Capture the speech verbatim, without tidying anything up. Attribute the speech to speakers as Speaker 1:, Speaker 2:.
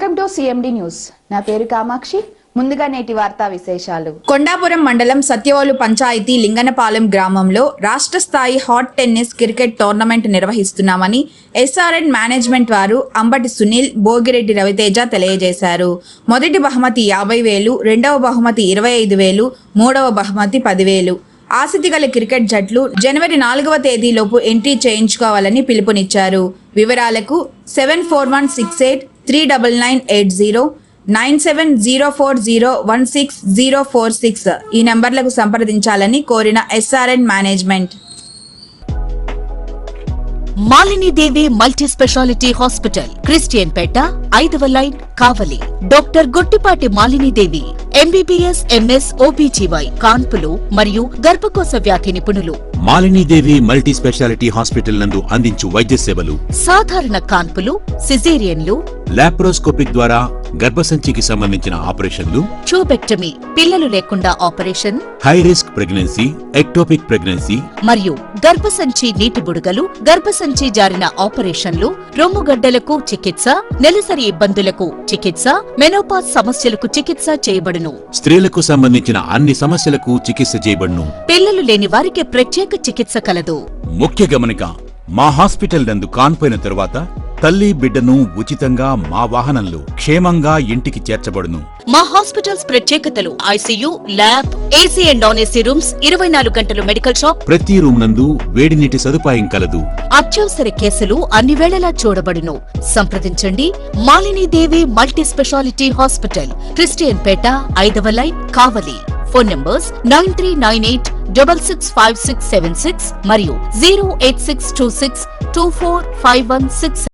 Speaker 1: Welcome to CMD news. నా పేరు కామాక్షి. ముందుగా నేటి వార్తా విశేషాలు.
Speaker 2: కొండాపురం మండలం సత్యవోలు పంచాయతీ లింగనపాలెం గ్రామంలో రాష్ట్ర స్థాయి హాట్ టెన్నిస్ క్రికెట్ టోర్నమెంట్ నిర్వహిస్తున్నామని ఎస్ఆర్ఎన్ మేనేజ్మెంట్ వారు అంబటి సునీల్, భోగిరెడ్డి రవితేజ తెలియజేశారు. మొదటి బహుమతి యాభై వేలు, రెండవ బహుమతి ఇరవై ఐదు వేలు, మూడవ బహుమతి పదివేలు. ఆసక్తి గల క్రికెట్ జట్లు జనవరి నాలుగవ తేదీలోపు ఎంట్రీ చేయించుకోవాలని పిలుపునిచ్చారు. వివరాలకు seven four one six eight three double nine eight zero nine seven zero four zero one six zero four six ఈ నంబర్లకు సంప్రదించాలని కోరిన SRN management.
Speaker 3: Malinidevi multi speciality hospital, Christian పేట, ఐదవ line, Kavali. Doctor Gottipati Malinidevi MBBS, MS, OBGY, కాన్పులు మరియు గర్భకోశ వ్యాధి నిపుణులు.
Speaker 4: మాలినీదేవి మల్టీ స్పెషాలిటీ హాస్పిటల్ నందు అందించు వైద్య సేవలు:
Speaker 3: సాధారణ కాన్పులు, సిజేరియన్లు,
Speaker 4: లాప్రోస్కోపిక్ ద్వారా గర్భసంచికి సంబంధించిన ఆపరేషన్లు,
Speaker 3: ట్యూబెక్టమీ, పిల్లలు లేకుండా operation,
Speaker 4: high risk pregnancy, ectopic pregnancy
Speaker 3: మరియు గర్భసంచి నీటి బుడగలు, గర్భసంచి జారిన ఆపరేషన్లు, రొమ్ముగడ్డలకు చికిత్స, నెలసరి ఇబ్బందులకు చికిత్స, మెనోపాజ్ సమస్యలకు చికిత్స చేయబడును.
Speaker 4: స్త్రీలకు సంబంధించిన అన్ని సమస్యలకు చికిత్స చేయబడును.
Speaker 3: పిల్లలు లేని వారికి ప్రత్యేక చికిత్స కలదు.
Speaker 4: ముఖ్య గమనిక: మా హాస్పిటల్ నందు కాన్పోయిన తరువాత తల్లి బిడ్డను ఉచితంగా మా వాహనంలో క్షేమంగా ఇంటికి చేర్చబడును.
Speaker 3: మా హాస్పిటల్స్ ప్రత్యేకతలు: ICU, lab, AC and non AC rooms, ఇరవై నాలుగు గంటలు మెడికల్ షాప్,
Speaker 4: ప్రతి రూమ్ నందు వేడి నీటి సదుపాయం కలదు.
Speaker 3: అత్యవసర కేసులు అన్ని వేళలా చూడబడును. సంప్రదించండి Malinidevi multi speciality hospital, Christian పేట, ఐదవ line, Kavali. Phone numbers nine three nine eight double six five six seven six మరియు zero eight six two six two four five one six.